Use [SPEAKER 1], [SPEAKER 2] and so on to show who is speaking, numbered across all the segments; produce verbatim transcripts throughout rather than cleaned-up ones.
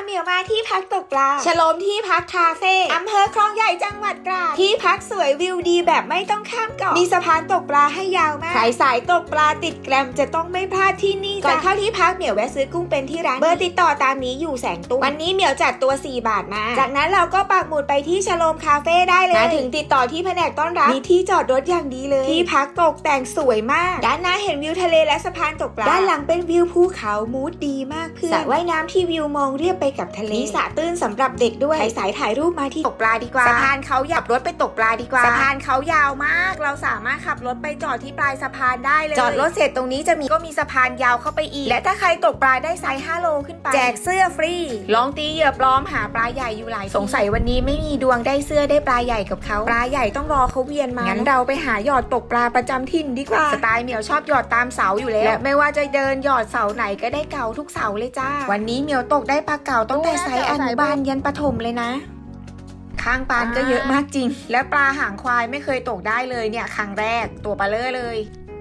[SPEAKER 1] เหมียวมาที่พักตกปลาฉลมที่พักคาเฟ่อำเภอคลองใหญ่จังหวัดตราดที่พักสวยวิวดีแบบไม่ต้องข้ามเกาะมีสะพานตกปลาให้ยาวมากใครสายตกปลาติดแกรมจะต้องไม่พลาดที่นี่ก่อนเข้าที่พักเหมียวแวะซื้อกุ้งเป็นที่ร้านเบอร์ติดต่อตามนี้อยู่แสงตุ้งวันนี้เหมียวจัดตัวสี่บาทมาจากนั้นเราก็ปักหมุดไปที่ฉลมคาเฟ่ได้เลยมาถึงติดต่อที่แผนกต้อนรับมีที่จอดรถอย่างดีเลยที่พักตกแต่งสวยมากด้านหน้าเห็นวิวทะเลและสะพานตกปลาด้านหลังเป็นวิวภูเขามูดดีมากเพื่อนสระว่ายน้ำที่วิวมองเรียบไปกับทะเลมีสระตื้นสำหรับเด็กด้วยใครสายถ่ายรูปมาที่ตกปลาดีกว่าสะพานเขาหยับรถไปตกปลาดีกว่าสะพานเขายาวมากเราสามารถขับรถไปจอดที่ปลายสะพานได้เลยจอดรถเสร็จตรงนี้จะมีก็มีสะพานยาวเข้าไปอีกและถ้าใครตกปลาได้ไซส์ห้าโลขึ้นไปแจกเสื้อฟรีลองตีเหยื่อปลอมหาปลาใหญ่อยู่หลายสงสัยวันนี้ไม่มีดวงได้เสื้อได้ปลาใหญ่กับเขาปลาใหญ่ต้องรอเขาเวียนมางั้นเราไปหาหยอดตกปลาประจำถิ่นดีกว่าสไตล์เหมียวชอบหยอดตามเสาอยู่แล้วและไม่ว่าจะเดินหยอดเสาไหนก็ได้เก่าทุกเสาเลยจ้าวันนี้เหมียวตกได้ปลาเก่าตั้งแต่ไซส์อนุบาลยันประถมเลยนะข้างปานก็เยอะมากจริงและปลาหางควายไม่เคยตกได้เลยเนี่ยครั้งแรกตัวปลาเล่เลย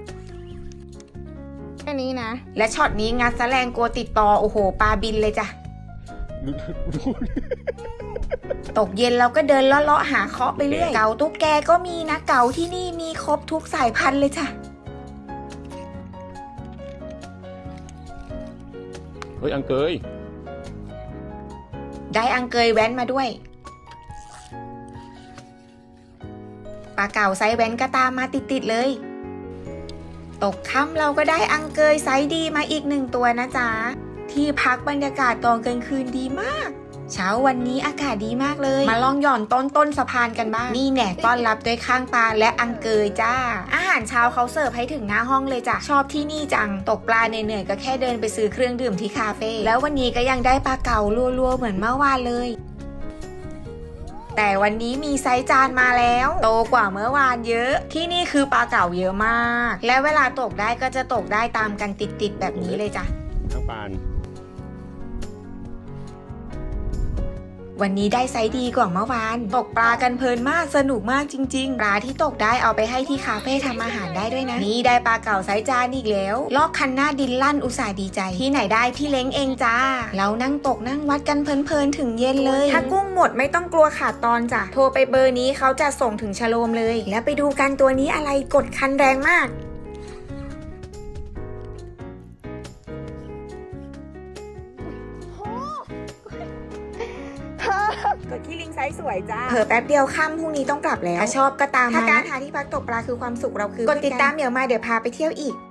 [SPEAKER 2] แค่นี้นะ
[SPEAKER 1] และช็อตนี้งัดแสลงกลัวติดต่อโอ้โหปลาบินเลยจ้ะตกเย็นเราก็เดินเลาะๆหาเคาะไปเรื่อยเก๋าตุ๊กแกก็มีนะเก๋าที่นี่มีครบทุกสายพันธุ์เลยจ้ะ
[SPEAKER 3] เฮ้ยอังเกย
[SPEAKER 1] ได้อังเกยแว้นมาด้วยปลาเก๋าไซส์แว้นก็ตามมาติดๆเลยตกค่ำเราก็ได้อังเกยไซส์ดีมาอีกหนึ่งตัวนะจ๊ะที่พักบรรยากาศตอนกลางคืนดีมากเช้าวันนี้อากาศดีมากเลยมาลองหย่อนต้นต้นสะพานกันบ้างนี่แหน่ต้อนรับด้วยข้างปลาและอังเกยจ้าอาหารเช้าเขาเสิร์ฟให้ถึงหน้าห้องเลยจ้ะชอบที่นี่จังตกปลาเหนื่อยๆก็แค่เดินไปซื้อเครื่องดื่มที่คาเฟ่แล้ววันนี้ก็ยังได้ปลาเก๋าลัวๆเหมือนเมื่อวานเลยแต่วันนี้มีไซส์จานมาแล้วโตกว่าเมื่อวานเยอะที่นี่คือปลาเก๋าเยอะมากและเวลาตกได้ก็จะตกได้ตามกันติดๆแบบนี้เลยจ้ะ
[SPEAKER 3] ข้างปาน
[SPEAKER 1] วันนี้ได้ไซส์ดีกว่าเมื่อวานตกปลากันเพลินมากสนุกมากจริงๆปลาที่ตกได้เอาไปให้ที่คาเฟ่ทำอาหารได้ด้วยนะนี่ได้ปลาเก๋าไซส์จานอีกแล้วลอกคันหน้าดินลั่นอุตส่าห์ดีใจที่ไหนได้พี่เล้งเองจ้าเรานั่งตกนั่งวัดกันเพลินๆถึงเย็นเลยถ้ากุ้งหมดไม่ต้องกลัวขาดตอนจ้ะโทรไปเบอร์นี้เขาจะส่งถึงชะโลมเลยแล้วไปดูกันตัวนี้อะไรกดคันแรงมากกดที่ลิงก์ไซส์สวยจ้าเผลอแป๊บเดียวค่ำพรุ่งนี้ต้องกลับแล้วถ้าชอบก็ตามถ้าการหาที่พักตกปลาคือความสุขเราคือกดติดตามเหมียวมาเดี๋ยวพาไปเที่ยวอีก